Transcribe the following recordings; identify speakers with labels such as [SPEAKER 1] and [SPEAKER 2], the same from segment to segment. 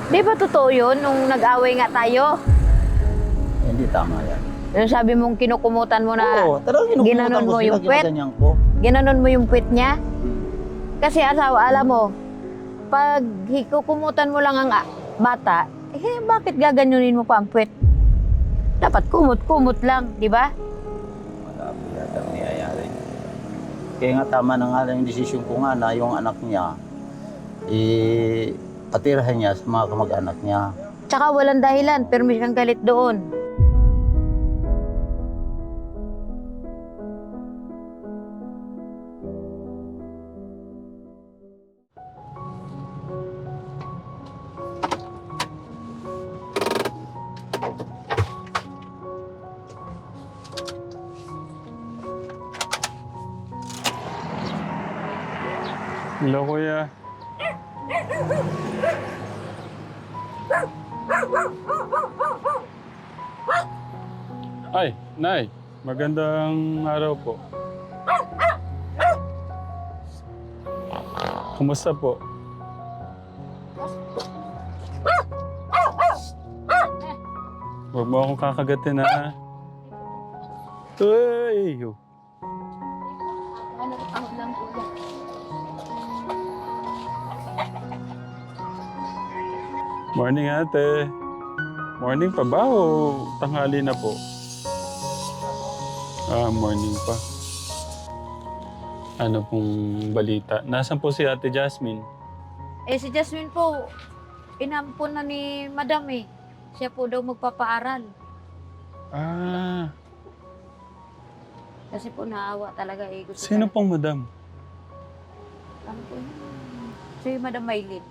[SPEAKER 1] Di ba totoo yun nung nag-away nga tayo?
[SPEAKER 2] Hindi tama yan.
[SPEAKER 1] Yung sabi mong kinukumutan mo na
[SPEAKER 2] Oo, talagang
[SPEAKER 1] ginanon mo yung puwet?
[SPEAKER 2] ginaganyan ko.
[SPEAKER 1] Ginanon mo yung puwet niya? Kasi asawa, alam mo, pag hikukumutan mo lang ang bata, eh bakit gaganunin mo pa ang puwet? Dapat kumot-kumot lang, di ba?
[SPEAKER 2] Malabo yata ang nangyayari. Kaya nga tama na nga lang yung desisyon ko nga na yung anak niya, patirahan niya sa mga kamag-anak niya.
[SPEAKER 1] Tsaka walang dahilan, pero may kang galit doon.
[SPEAKER 3] Hello, kuya. Ay, Nay. Magandang araw po. Kumusta po? Huwag mo akong kakagatin, ha? Uy! Morning, ate. Morning pa ba o tanghali na po? Morning pa. Ano pong balita? Nasaan po si Ate Jasmine?
[SPEAKER 1] Eh si Jasmine po, inampun na ni Madam eh. Siya po daw magpapaaral.
[SPEAKER 3] Ah,
[SPEAKER 1] Kasi po naawa talaga eh. Gusto
[SPEAKER 3] sino
[SPEAKER 1] talaga-
[SPEAKER 3] pong madam?
[SPEAKER 1] Ano po yun? Si Madam Maylin.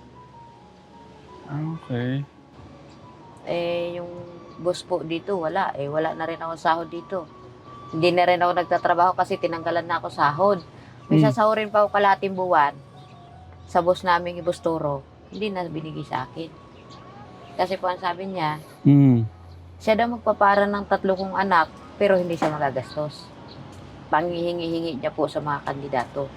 [SPEAKER 3] Okay.
[SPEAKER 1] Eh, yung boss po dito, wala. Eh, wala na rin ako sahod dito. Hindi na rin ako nagtatrabaho kasi tinanggalan na ako sahod. May sasahurin pa ako kalating buwan sa boss naming Ibusturo. Hindi na binigay sa akin. Kasi po ang sabi niya, siya daw magpapara ng 3 kong anak, pero hindi siya magagastos. Panghihingi-hingi niya po sa mga kandidato.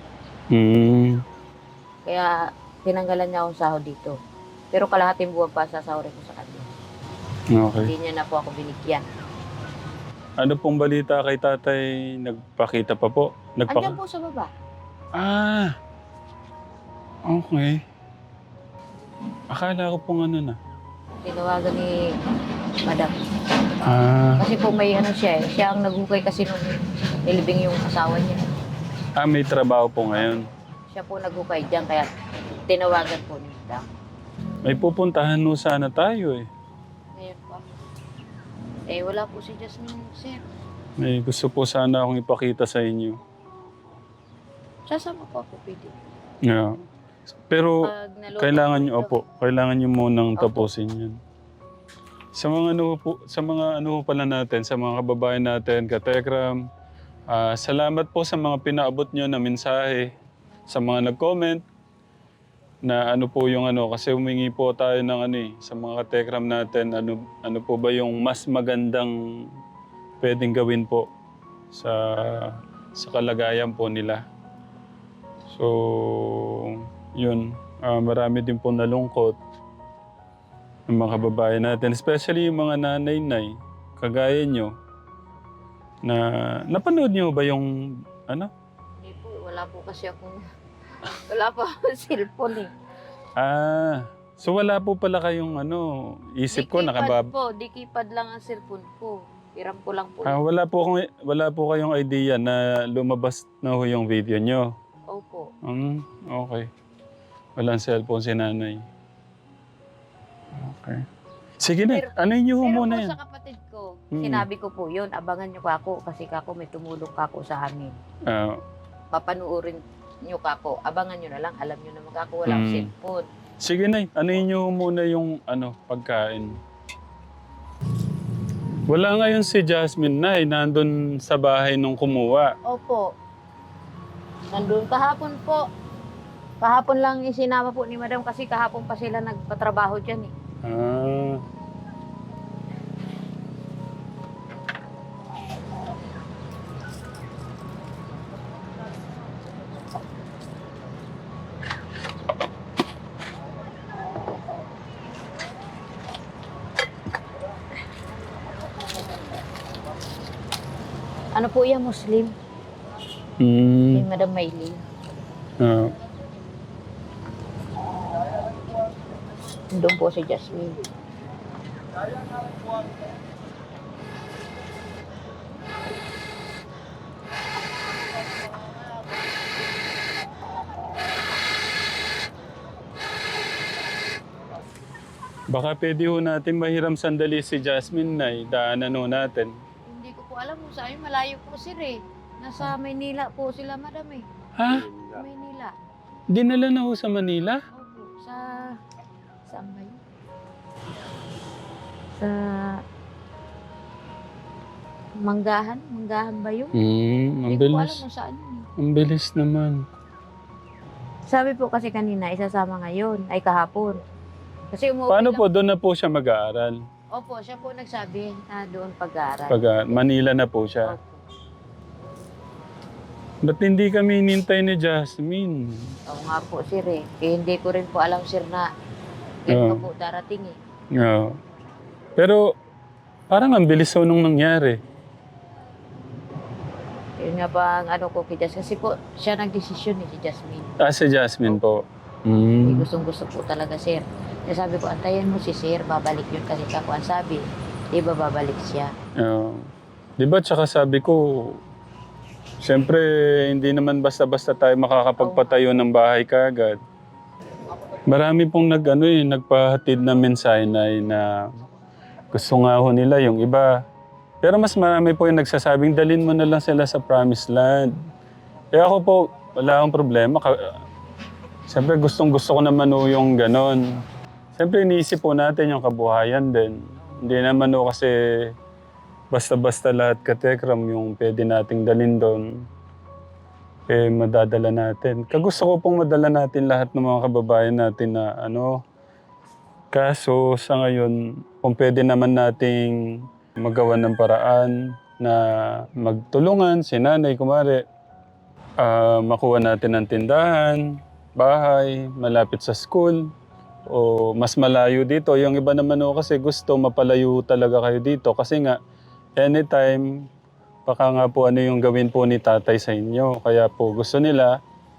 [SPEAKER 1] Kaya tinanggalan niya akong sahod dito. Pero kalahating buwan pa sasahurin ko sa kanya.
[SPEAKER 3] Okay.
[SPEAKER 1] Hindi niya na po ako binigyan.
[SPEAKER 3] Ano pong balita kay tatay? Nagpakita pa po?
[SPEAKER 1] Andiyan po sa baba.
[SPEAKER 3] Ah, okay. Akala ko pong ano na.
[SPEAKER 1] Tinawagan ni Madam.
[SPEAKER 3] Ah,
[SPEAKER 1] Kasi po may ano siya eh. Siya ang naghukay kasi nung nilibing yung asawa niya.
[SPEAKER 3] may trabaho po ngayon.
[SPEAKER 1] Siya po naghukay dyan kaya tinawagan po ni Madam.
[SPEAKER 3] May pupuntahan no sana tayo eh.
[SPEAKER 1] Ngayon po. Eh wala po si Jasmine, sir.
[SPEAKER 3] May gusto po sana akong ipakita sa inyo.
[SPEAKER 1] Sasama po ako, pwede.
[SPEAKER 3] Yeah. Pero
[SPEAKER 1] Pag naluto
[SPEAKER 3] kailangan
[SPEAKER 1] po
[SPEAKER 3] nyo,
[SPEAKER 1] ito.
[SPEAKER 3] opo, kailangan nyo munang
[SPEAKER 1] Opo.
[SPEAKER 3] tapusin yan. Sa mga ano po, sa mga ano pala natin, sa mga kababayan natin, katekram, salamat po sa mga pinaabot nyo na mensahe, sa mga nag-comment, na ano po yung ano, kasi humingi po tayo ng ano eh, sa mga katekram natin, ano po ba yung mas magandang pwedeng gawin po sa kalagayan po nila. So, yun. Marami din po nalungkot ng mga kababayan natin. Especially yung mga nanay-nay, kagaya nyo, na napanood nyo ba yung ano?
[SPEAKER 1] Hindi po, wala po kasi akong... wala po akong cellphone eh.
[SPEAKER 3] So wala po pala kayong ano, isip ko nakabab...
[SPEAKER 1] Di-keypad lang ang cellphone ko. Hiram ko lang po.
[SPEAKER 3] wala po kayong idea na lumabas na ho yung video nyo.
[SPEAKER 1] Opo.
[SPEAKER 3] Okay. Walang cellphone si nanay. Okay. Sige na, ano nyo ho
[SPEAKER 1] Pero
[SPEAKER 3] muna
[SPEAKER 1] po
[SPEAKER 3] yan?
[SPEAKER 1] sa kapatid ko, sinabi ko po yun, abangan nyo kako kasi kako may tumulong kako sa amin.
[SPEAKER 3] Ah,
[SPEAKER 1] Papanuorin nyo kako, abangan nyo na lang, alam nyo naman kako walang cellphone.
[SPEAKER 3] sige na, ano nyo muna yung ano, pagkain. Wala ngayon si Jasmine na nandun sa bahay nung kumuha.
[SPEAKER 1] Opo. Nandun kahapon po. Kahapon lang isinama po ni Madam kasi kahapon pa sila nagpatrabaho dyan eh.
[SPEAKER 3] Ah,
[SPEAKER 1] Ano po yan, Muslim? Si
[SPEAKER 3] Mm.
[SPEAKER 1] Madam Maylin.
[SPEAKER 3] Ah.
[SPEAKER 1] Doon po si Jasmine.
[SPEAKER 3] Baka pwede ho natin mahiram sandali si Jasmine na daanan ho natin.
[SPEAKER 1] Hindi ko po alam kung saan. Malayo po sila eh. Nasa Maynila po sila, Madam eh.
[SPEAKER 3] Ha?
[SPEAKER 1] Maynila.
[SPEAKER 3] Dinala na ho sa Manila?
[SPEAKER 1] Opo. Saan ba yun? Sa... Manggahan? Manggahan ba yun?
[SPEAKER 3] Ang
[SPEAKER 1] Hindi ko alam
[SPEAKER 3] bilis.
[SPEAKER 1] kung saan yun eh.
[SPEAKER 3] Ang bilis naman.
[SPEAKER 1] Sabi po kasi kanina, isasama ngayon, ay kahapon. Kasi umuwi
[SPEAKER 3] Paano
[SPEAKER 1] lang.
[SPEAKER 3] po? Doon na po siya mag-aaral?
[SPEAKER 1] Opo, siya po nagsabi na doon pag-aaral.
[SPEAKER 3] Manila na po siya.
[SPEAKER 1] Opo.
[SPEAKER 3] Ba't hindi kami hinintay ni Jasmine?
[SPEAKER 1] Oo nga po, sir eh. Hindi ko rin po alam, sir, na yun
[SPEAKER 3] Oo.
[SPEAKER 1] po darating eh.
[SPEAKER 3] Oo. Pero parang ang bilis ho nung nangyari.
[SPEAKER 1] Yun nga pa ang ano ko kay Jasmine. Kasi po, siya nagdesisyon eh, si Jasmine.
[SPEAKER 3] Si Jasmine po.
[SPEAKER 1] Gustong-gusto po talaga, sir. Kaya sabi ko, antayin mo si sir, babalik yun kasi kako ang sabi. Di ba babalik siya?
[SPEAKER 3] Oo. Di ba tsaka sabi ko, siyempre hindi naman basta-basta tayo makakapagpatayo ng bahay kaagad. Marami pong nagpahatid na mensahe na gusto nga ho nila yung iba. Pero mas marami po yung nagsasabing dalhin mo na lang sila sa promised land. Kaya ako po, wala akong problema. Siyempre gustong-gusto ko naman ho yung ganon. Siyempre iniisip po natin yung kabuhayan din. Hindi naman ho kasi basta-basta lahat katekram yung pwede nating dalhin doon. Madadala natin. Kagusto ko pong madala natin lahat ng mga kababayan natin na kaso sa ngayon, kung pwede naman nating magawa ng paraan na magtulungan si nanay, kumari, makuha natin ng tindahan, bahay, malapit sa school, o mas malayo dito. Yung iba naman kasi gusto mapalayo talaga kayo dito kasi nga, anytime, baka nga po yung gawin po ni tatay sa inyo. Kaya po gusto nila,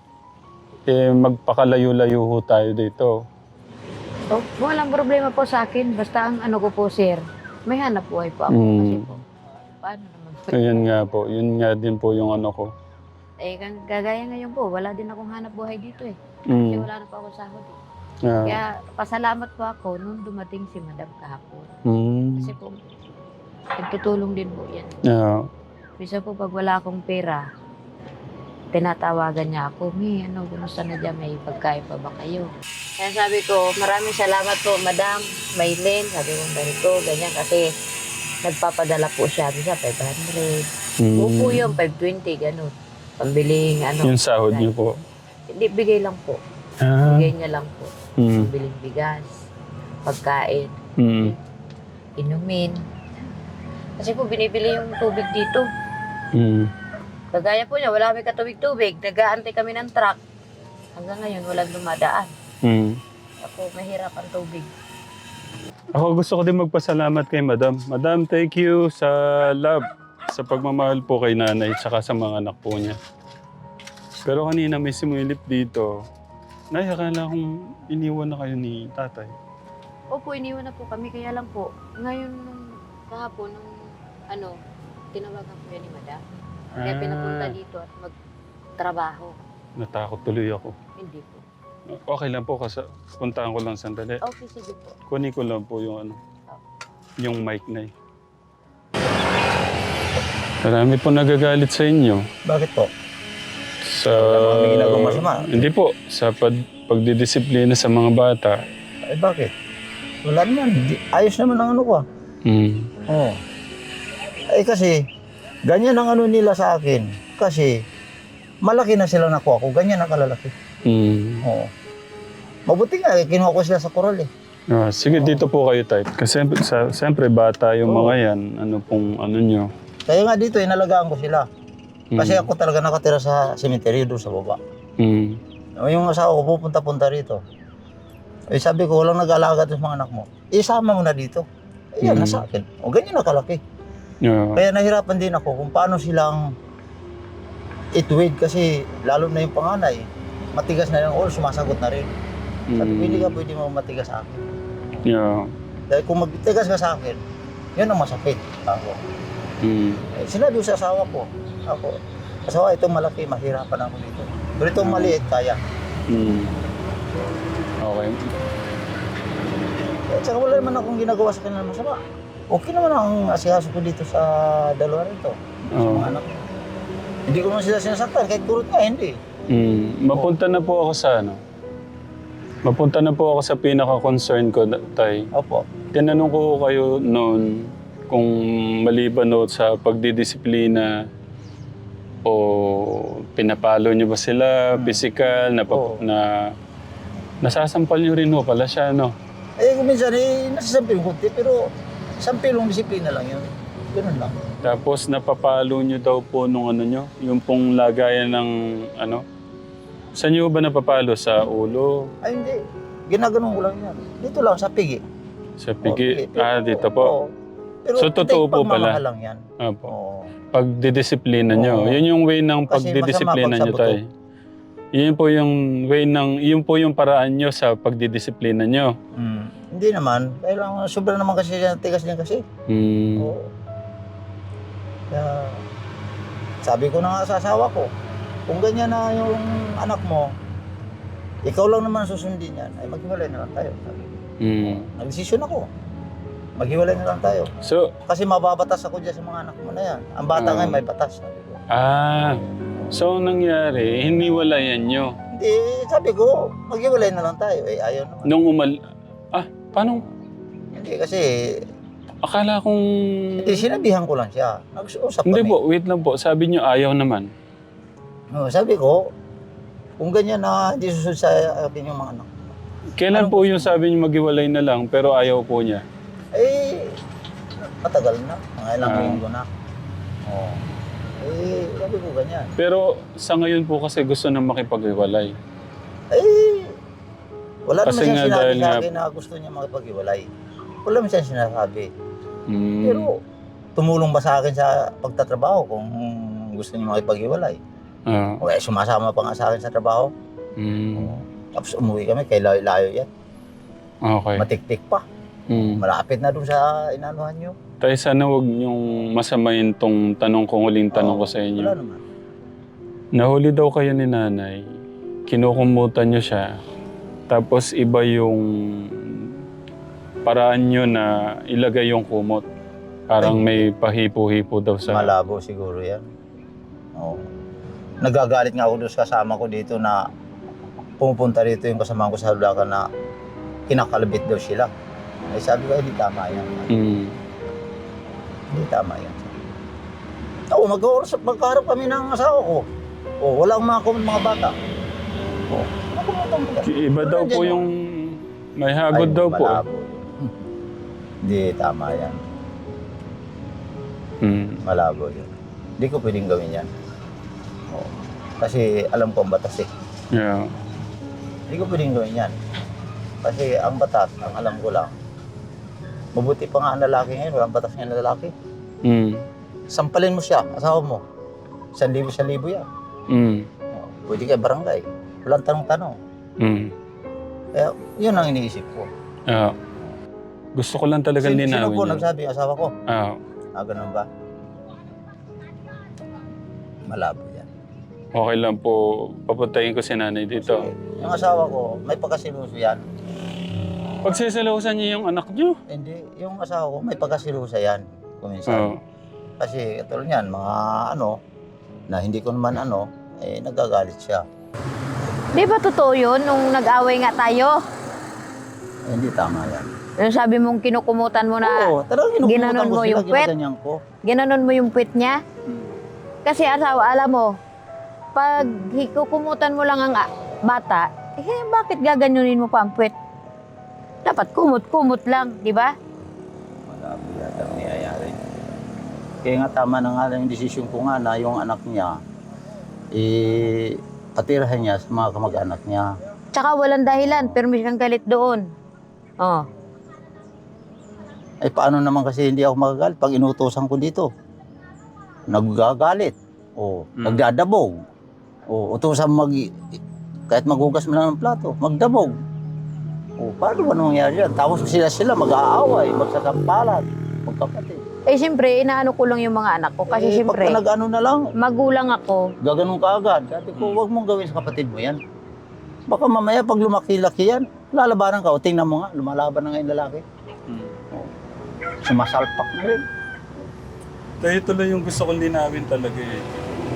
[SPEAKER 3] magpakalayo-layo ho tayo dito.
[SPEAKER 1] So, walang problema po sa akin. Basta ang ano ko po, sir, may hanap buhay po ako. Kasi po, paano naman po?
[SPEAKER 3] Ayun nga po, yun nga din po yung ano ko.
[SPEAKER 1] Kagaya ngayon po, wala din akong hanap buhay dito eh. Kasi wala na po ako sahod eh. Kaya pasalamat po ako nung dumating si Madam kahapon. Kasi po, nagtutulong din po yan. Bisa po pag wala akong pera, tinatawagan niya ako, kumusta na dyan, may pagkain pa ba kayo? Kaya sabi ko, maraming salamat po, Madam Maylin. Sabi ko, ganito, ganyan, kasi nagpapadala po siya, bisa 500. Upo yun, 520, gano'n. Pambiling,
[SPEAKER 3] Yung sahod niyo po.
[SPEAKER 1] Hindi, bigay lang po. Bigay niya lang po. Pambiling bigas, pagkain, inumin. Kasi po, binibili yung tubig dito. Kagaya po niya, wala kami katubig-tubig. Nag-aantay kami ng truck. Hanggang ngayon, walang dumadaan. Ako, mahirap ang tubig.
[SPEAKER 3] Ako gusto ko din magpasalamat kay Madam. Madam, thank you sa love, sa pagmamahal po kay nanay, tsaka sa mga anak po niya. Pero kanina may sumilip dito. Nay, akala kong iniwan na kayo ni tatay.
[SPEAKER 1] Opo, iniwan na po kami. Kaya lang po, ngayon, kahapon, tinawagan po yan ni Madam. Kaya pinapunta dito at magtrabaho.
[SPEAKER 3] Natakot tuloy ako.
[SPEAKER 1] Hindi po.
[SPEAKER 3] Okay lang po kasi puntahan ko lang sandali.
[SPEAKER 1] Okay, sige po.
[SPEAKER 3] Kunin ko lang po yung yung mic na Marami po nagagalit sa inyo.
[SPEAKER 2] Bakit po?
[SPEAKER 3] Sa...
[SPEAKER 2] May ginagawang masama?
[SPEAKER 3] Hindi po. Sa pagdidisiplina sa mga bata.
[SPEAKER 2] Bakit? Wala naman. Ayos naman ang ano ko Oo. Kasi, ganyan ang ano nila sa akin. Kasi, malaki na sila nakuha ko. Ganyan ang kalalaki. Oo. Mabuti nga, kinuha ko sila sa koral
[SPEAKER 3] Sige, dito po kayo type. Kasi siyempre bata yung mga yan. Ano pong ano nyo.
[SPEAKER 2] Kaya nga dito, inalagaan ko sila. Kasi ako talaga nakatira sa cemetery doon sa baba. Yung asawa ko pupunta-punta rito. Sabi ko, walang nag-alaga sa mga anak mo. Isama mo na dito. Yan na sa akin. O ganyan na kalaki.
[SPEAKER 3] Yeah.
[SPEAKER 2] Kaya nahirapan din ako kung paano silang ituwid kasi lalo na yung panganay. Matigas na yung sumasagot na rin. Sabi ko, hindi ka pwede mo matigas sa akin.
[SPEAKER 3] Yeah.
[SPEAKER 2] Dahil kung magtigas ka sa akin, yun ang masakit. Ako. Sinabi ko sa asawa ko, asawa, itong malaki, mahirapan ako dito. Pero itong maliit, kaya.
[SPEAKER 3] Okay.
[SPEAKER 2] At saka wala naman akong ginagawa sa kanila masama. Okay naman ang asikaso ko dito sa dalawa rito. Sa mga anak ko. Hindi ko naman sila sinasaktan, kahit kurot nga, hindi.
[SPEAKER 3] Mapunta na po ako sa ano. Mapunta na po ako sa pinaka-concern ko, Tay.
[SPEAKER 2] Opo.
[SPEAKER 3] Tinanong ko kayo noon kung maliban no, sa pagdidisiplina o pinapalo niyo ba sila, physical, na nasasampal niyo rin ho pala siya, no?
[SPEAKER 2] Eh, kung minsan, nasasampil yung kunti, pero sampilong disiplina lang yun. Ganun lang.
[SPEAKER 3] Tapos napapalo niyo daw po nung ano niyo, yung pong lagayan ng ano. Saan niyo ba napapalo? Sa ulo?
[SPEAKER 2] Ay, hindi. Ginaganon ko lang yan. Dito lang, sa pigi.
[SPEAKER 3] Sa pigi?
[SPEAKER 2] Pero,
[SPEAKER 3] Dito po.
[SPEAKER 2] oo. Pero
[SPEAKER 3] So, totoo po pala?
[SPEAKER 2] lang yan.
[SPEAKER 3] Opo.
[SPEAKER 2] Oo.
[SPEAKER 3] Pagdidisiplina niyo.
[SPEAKER 2] Oo.
[SPEAKER 3] Yun yung way ng
[SPEAKER 2] Kasi
[SPEAKER 3] pagdidisiplina
[SPEAKER 2] masama
[SPEAKER 3] niyo,
[SPEAKER 2] pag sa
[SPEAKER 3] Tay. Yun po yung way yun po yung paraan niyo sa pagdidisiplina niyo.
[SPEAKER 2] Hindi naman. Kailangan, sobra naman kasi yan, tigas niyan kasi. Oo. Kaya, sabi ko na nga sa asawa ko, kung ganyan na yung anak mo, ikaw lang naman susundin yan, ay maghiwalay na lang tayo. Sabi ko. Nagdesisyon ako. Maghiwalay na lang tayo.
[SPEAKER 3] So,
[SPEAKER 2] Kasi mababatas ako dyan sa mga anak mo na yan. Ang bata ngayon may batas. Sabi ko.
[SPEAKER 3] so ang nangyari, hiniwalayan nyo.
[SPEAKER 2] Hindi, sabi ko, maghiwalay na lang tayo. Eh, ayaw naman.
[SPEAKER 3] Nung paano?
[SPEAKER 2] Hindi kasi,
[SPEAKER 3] Akala kong...
[SPEAKER 2] hindi, sinabihan ko lang siya. Nag-usap
[SPEAKER 3] Hindi
[SPEAKER 2] kami.
[SPEAKER 3] po, wait lang po. Sabi nyo ayaw naman.
[SPEAKER 2] Sabi ko, kung ganyan na hindi susunod sa akin yung mga anak.
[SPEAKER 3] Kailan po yung sabi nyo maghiwalay na lang pero ayaw po niya?
[SPEAKER 2] Eh, matagal na. Mga ilang linggo na. Sabi ko ganyan.
[SPEAKER 3] Pero sa ngayon po kasi gusto na makipaghiwalay.
[SPEAKER 2] Wala
[SPEAKER 3] Kasi
[SPEAKER 2] naman siya
[SPEAKER 3] nga
[SPEAKER 2] sinabi
[SPEAKER 3] dahil
[SPEAKER 2] sa
[SPEAKER 3] nga-
[SPEAKER 2] akin na gusto niya makipaghiwalay. Wala naman siya sinasabi.
[SPEAKER 3] Mm.
[SPEAKER 2] Pero tumulong ba sa akin sa pagtatrabaho kung gusto niya makipaghiwalay? O sumasama pa nga sa akin sa trabaho. Tapos umuwi kami, kay layo yan.
[SPEAKER 3] Okay.
[SPEAKER 2] Matiktik pa. Malapit na dun sa inanuhan niyo.
[SPEAKER 3] Tayo sana huwag niyong masamayin tong tanong ko, huling tanong ko sa inyo.
[SPEAKER 2] Wala naman.
[SPEAKER 3] Nahuli daw kayo ni nanay, kinukumutan niyo siya, tapos iba yung paraan niyo na ilagay yung kumot. Parang may pahipo-hipo daw sa...
[SPEAKER 2] Malabo siguro yan. Oo. Nagagalit nga ako doon sa kasama ko dito na pumupunta rito yung kasama ko sa Hulacan na kinakalabit daw sila. Ay sabi ko, hindi tama yan. Hindi tama yan. Oo, magkaharap kami ng asawa ko. Wala akong mga bata.
[SPEAKER 3] Iba daw po yung... May hagod daw po.
[SPEAKER 2] Malabo yun. Hindi tama yan. Malabo yun. Hindi ko pwedeng gawin yan. Kasi alam ko ang batas eh.
[SPEAKER 3] Yeah.
[SPEAKER 2] Hindi ko pwedeng gawin yan. Kasi ang batas, ang alam ko lang, mabuti pa nga ang lalaki ngayon, walang batas ngayon na lalaki. Sampalin mo siya, asawa mo. 1,000 yan. Pwede kay barangay. Walang tanong-tanong. Kaya yun ang iniisip ko.
[SPEAKER 3] Gusto ko lang talaga linawin
[SPEAKER 2] Sino po
[SPEAKER 3] yun.
[SPEAKER 2] nagsabi, asawa ko? Ganun ba? Malabo yan.
[SPEAKER 3] Okay lang po, papuntahin ko si nanay dito.
[SPEAKER 2] Yung asawa ko, may pagkasiluso yan.
[SPEAKER 3] Pagsisilusan niyo yung anak niyo.
[SPEAKER 2] Hindi, yung asawa ko, may pagkasilusa yan. Kuminsan. Kasi katulad yan, mga na hindi ko naman nagagalit siya.
[SPEAKER 1] Di ba totoo yun nung nag-away nga tayo?
[SPEAKER 2] Hindi tama yan.
[SPEAKER 1] Yung sabi mong kinukumutan mo na
[SPEAKER 2] talagang
[SPEAKER 1] ginanon mo yung puwet? Ginanon mo yung puwet niya? Kasi asawa, alam mo, pag hikukumutan mo lang ang bata, bakit gaganunin mo pa ang puwet? Dapat kumot-kumot lang, di ba?
[SPEAKER 2] Malabo yata ang nangyayari. Kaya nga tama na nga lang yung desisyon ko nga na yung anak niya, patirahan niya sa mga kamag-anak niya.
[SPEAKER 1] Tsaka walang dahilan, pero may kang galit doon.
[SPEAKER 2] Ay paano naman kasi hindi ako magagalit pag inutusan ko dito? Naggagalit. O, nagdadabog. O, utusan kahit maghugas mo lang ng plato, magdabog. O, paano ba nangyayari yan? Tapos sila mag-aaway, magsasampalan, magkapatid.
[SPEAKER 1] Eh, siyempre, inaano ko lang yung mga anak ko. Kasi siyempre,
[SPEAKER 2] pagka nag-ano na lang,
[SPEAKER 1] magulang ako.
[SPEAKER 2] gaganon ka agad. Sabi ko, huwag mong gawin sa kapatid mo yan. Baka mamaya pag lumaki-laki yan, lalabanan ka. O tingnan mo nga, lumalaban na nga yung lalaki. Sumasalpak na rin.
[SPEAKER 3] Kaya ito lang yung gusto kong linawin talaga eh.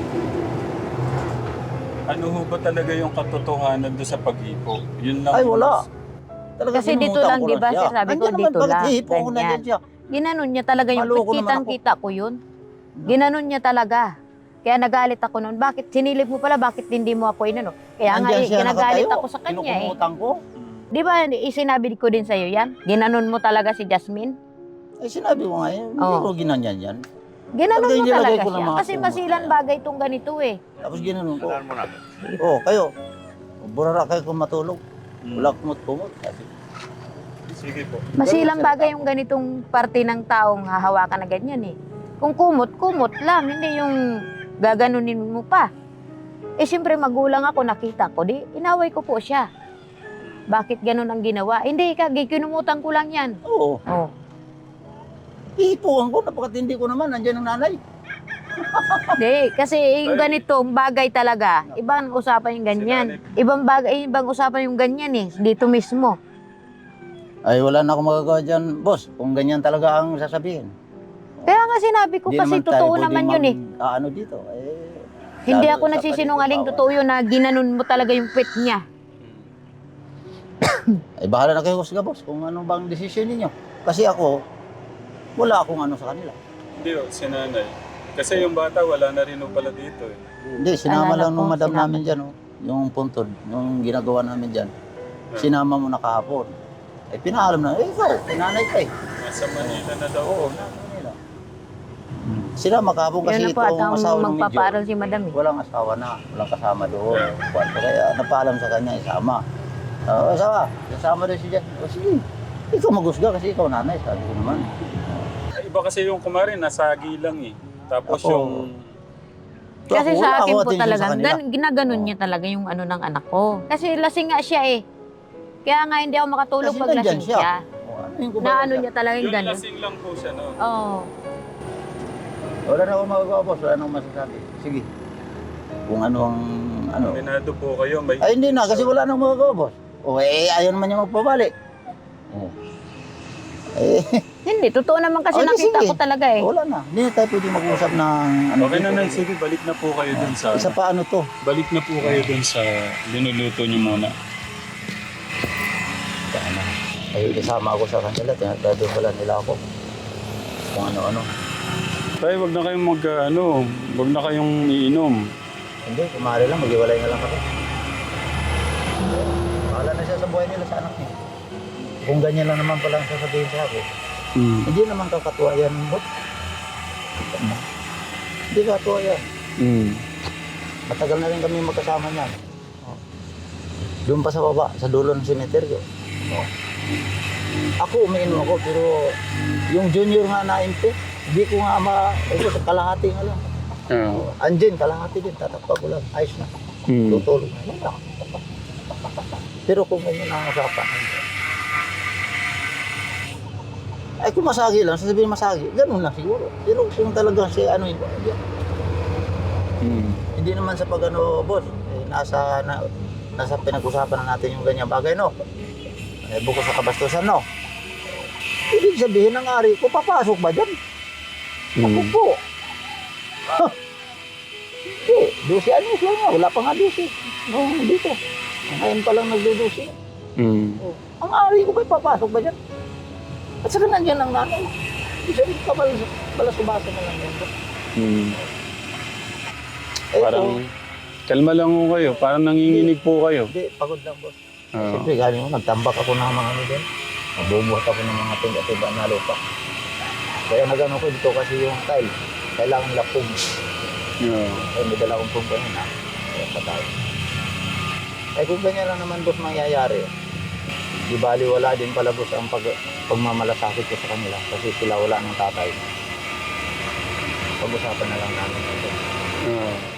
[SPEAKER 3] Ano ho ba talaga yung katotohanan doon sa pag-hipo? Yun lang.
[SPEAKER 2] Ay, wala. Talaga
[SPEAKER 1] Kasi dito
[SPEAKER 2] sinumutan
[SPEAKER 1] lang,
[SPEAKER 2] ko
[SPEAKER 1] di ba?
[SPEAKER 2] siya.
[SPEAKER 1] Sabi ko,
[SPEAKER 2] Nandiyan naman,
[SPEAKER 1] dito
[SPEAKER 2] bakit
[SPEAKER 1] lang.
[SPEAKER 2] hihipo ko na
[SPEAKER 1] Ganyan.
[SPEAKER 2] dyan siya?
[SPEAKER 1] Ginanon niya talaga yung
[SPEAKER 2] Maloko naman ako.
[SPEAKER 1] kitang-kita ko yun. Ginanon niya talaga. Kaya nagalit ako noon. Bakit sinilip mo pala? Bakit hindi mo ako inano? Kaya nga,
[SPEAKER 2] Nandiyan siya
[SPEAKER 1] ginagalit
[SPEAKER 2] nakatayo.
[SPEAKER 1] ako sa kanya eh.
[SPEAKER 2] Kinukumutan ko.
[SPEAKER 1] Di ba, isinabi ko din sa'yo yan? Ginanon mo talaga si Jasmine?
[SPEAKER 2] Ay, sinabi ko nga, hindi
[SPEAKER 1] Oo.
[SPEAKER 2] ko ginanyan yan.
[SPEAKER 1] Ginanon
[SPEAKER 2] Talaga
[SPEAKER 1] mo
[SPEAKER 2] nilagay
[SPEAKER 1] talaga
[SPEAKER 2] ko ng
[SPEAKER 1] siya.
[SPEAKER 2] mga
[SPEAKER 1] Kasi
[SPEAKER 2] kumot.
[SPEAKER 1] masilan bagay itong ganito eh.
[SPEAKER 2] Tapos ginanon ko. Oo, kayo. Burara kayo kung matulog. Wala kumot-kumot. Sabi ko.
[SPEAKER 3] Sige po.
[SPEAKER 1] Masilang bagay yung ganitong parte ng taong hahawakan na ganyan eh. Kung kumot, kumot lang. Hindi yung gaganunin mo pa. Eh siyempre magulang ako, nakita ko. Di, inaway ko po siya. Bakit ganun ang ginawa? Hindi ka, kinumutan ko lang yan.
[SPEAKER 2] Oo.
[SPEAKER 1] Oh.
[SPEAKER 2] Ihipuan ko, napakatindi ko naman. Nandiyan ang nanay.
[SPEAKER 1] Hindi, kasi yung ganitong bagay talaga, ibang usapan yung ganyan. Ibang bagay, ibang usapan yung ganyan eh, dito mismo.
[SPEAKER 2] Ay, wala na akong magagawa dyan, boss. Kung ganyan talaga ang sasabihin.
[SPEAKER 1] Kaya nga sinabi ko,
[SPEAKER 2] Hindi
[SPEAKER 1] kasi
[SPEAKER 2] naman tayo
[SPEAKER 1] totoo
[SPEAKER 2] pwedeng
[SPEAKER 1] naman yun eh.
[SPEAKER 2] Ano dito?
[SPEAKER 1] Hindi
[SPEAKER 2] lalo
[SPEAKER 1] ako
[SPEAKER 2] sa
[SPEAKER 1] nagsisinungaling,
[SPEAKER 2] paninibawa.
[SPEAKER 1] totoo yun na ginanon mo talaga yung pet niya.
[SPEAKER 2] Ay, bahala na kayo, boss, kung ano bang desisyon ninyo. Kasi ako, wala akong ano sa kanila.
[SPEAKER 3] Hindi o, si nanay. Kasi yung bata wala na rin ho pala dito eh.
[SPEAKER 2] Hindi, sinama
[SPEAKER 1] Alala
[SPEAKER 2] lang nung
[SPEAKER 1] ko,
[SPEAKER 2] madam
[SPEAKER 1] sinama.
[SPEAKER 2] namin dyan, yung puntod, yung ginagawa namin dyan. Sinama mo na kahapon. Eh, pinaalam na, ikaw, pinanay ka eh.
[SPEAKER 3] Nasa Manila na daw.
[SPEAKER 2] Oo, nasa Manila. Sinama kahapon kasi
[SPEAKER 1] Yun na
[SPEAKER 2] ito
[SPEAKER 1] po, at
[SPEAKER 2] ang
[SPEAKER 1] ang
[SPEAKER 2] asawa ng medyo.
[SPEAKER 1] magpaparal si madam eh.
[SPEAKER 2] Walang asawa na, walang kasama doon. Kwarto kaya napaalam sa kanya, isama. Asawa, kasama rin si Jan. O sige, ikaw magusga kasi ikaw nanay, sabi ko naman.
[SPEAKER 3] Ay, iba kasi yung kumarin, nasagi lang eh. Tapos
[SPEAKER 2] Ako,
[SPEAKER 3] yung...
[SPEAKER 1] Kasi
[SPEAKER 2] Ako,
[SPEAKER 1] sa
[SPEAKER 2] wala
[SPEAKER 1] akin
[SPEAKER 2] akong
[SPEAKER 1] po
[SPEAKER 2] attention
[SPEAKER 1] talaga,
[SPEAKER 2] sa kanila.
[SPEAKER 1] ginaganon niya talaga yung ano ng anak ko. Kasi lasing nga siya eh. Kaya nga hindi ako makatulog
[SPEAKER 2] Kasi
[SPEAKER 1] pag
[SPEAKER 2] nandyan
[SPEAKER 1] lasing
[SPEAKER 2] siya.
[SPEAKER 1] siya.
[SPEAKER 2] Ano yung
[SPEAKER 1] Na ano niya talaga yung
[SPEAKER 3] Yung
[SPEAKER 1] ganon.
[SPEAKER 3] lasing lang po siya, no?
[SPEAKER 1] Oo.
[SPEAKER 2] Wala na akong magagawa, boss. Wala na akong masasabi. Sige. Kung ano ang... Ano.
[SPEAKER 3] Minado po kayo, may...
[SPEAKER 2] Ay, hindi na. Kasi wala na akong magagawa, boss. O, ayaw naman niya magpabalik. Oh. Eh,
[SPEAKER 1] Hindi, totoo naman kasi
[SPEAKER 2] Okay,
[SPEAKER 1] nakita
[SPEAKER 2] sige.
[SPEAKER 1] ko talaga eh.
[SPEAKER 2] wala na. Hindi na tayo pwede mag-usap ng... Ano,
[SPEAKER 3] Okay na
[SPEAKER 2] dito.
[SPEAKER 3] nang, sige, balik na po kayo dun sa...
[SPEAKER 2] Isa pa ano to.
[SPEAKER 3] Balik na po kayo dun sa linuluto niyo muna.
[SPEAKER 2] Sana. Ay, isama ako sa kanila. Tinatado pala nila ako. Kung ano-ano.
[SPEAKER 3] Tayo, wag na kayong wag na kayong iinom.
[SPEAKER 2] Hindi, kumari lang. Mag-iwalay na lang kami. Bahala na siya sa buhay nila sa anak niya. Kung ganyan lang naman pala ang sasabihin sa akin. Hindi naman kakatuwa yan, bot. Hindi kakatuwa yan. Matagal na rin kami magkasama niyan. Oh. Doon pa sa baba, sa dulo ng semeteryo. Oh. Ako, umiinom ako, pero yung junior nga na MP, hindi ko nga ito, kalahati nga lang. Oh. Andyan, kalahati din, tatakpa ko lang, ayos na. Tutulog na. Yan lang. Pero kung ganyan ang usapan, ay kung masagi lang, sasabihin masagi, ganun lang siguro. Pero kung talagang si ano yun, hindi naman sa pag-ano, boss, eh, nasa pinag-usapan na natin yung ganyan bagay, no? Eh, bukod sa kabastusan, no? Ibig sabihin ng ari ko, papasok ba dyan? Ako po. Hindi, 12 anyos lang nga, wala pa nga 12. No, dito. Ngayon pa lang nagdudusi. Oh. Ang ari ko ba, papasok ba dyan? At saka nandiyan ang nanay. Isa rin ka balasubasa na lang yan. Eh,
[SPEAKER 3] Parang, kalma lang ho kayo. Parang nanginginig po kayo.
[SPEAKER 2] Hindi, pagod lang, boss.
[SPEAKER 3] Oo.
[SPEAKER 2] Siyempre, galing mo, nagtambak ako ng mga ano din. Mabubuhat ako ng mga tiga-tiga na lupa. Kaya nagano ko dito kasi yung tile. Kailangan lapong.
[SPEAKER 3] Yeah.
[SPEAKER 2] Kaya may dala akong pong ganyan, ha? Kaya patay. Eh kung ganyan lang naman, boss, mangyayari. Di bali wala din pala boss ang pagmamalasakit ko sa kanila kasi sila wala ng tatay. Pag-usapan na lang namin ito.
[SPEAKER 3] Ah.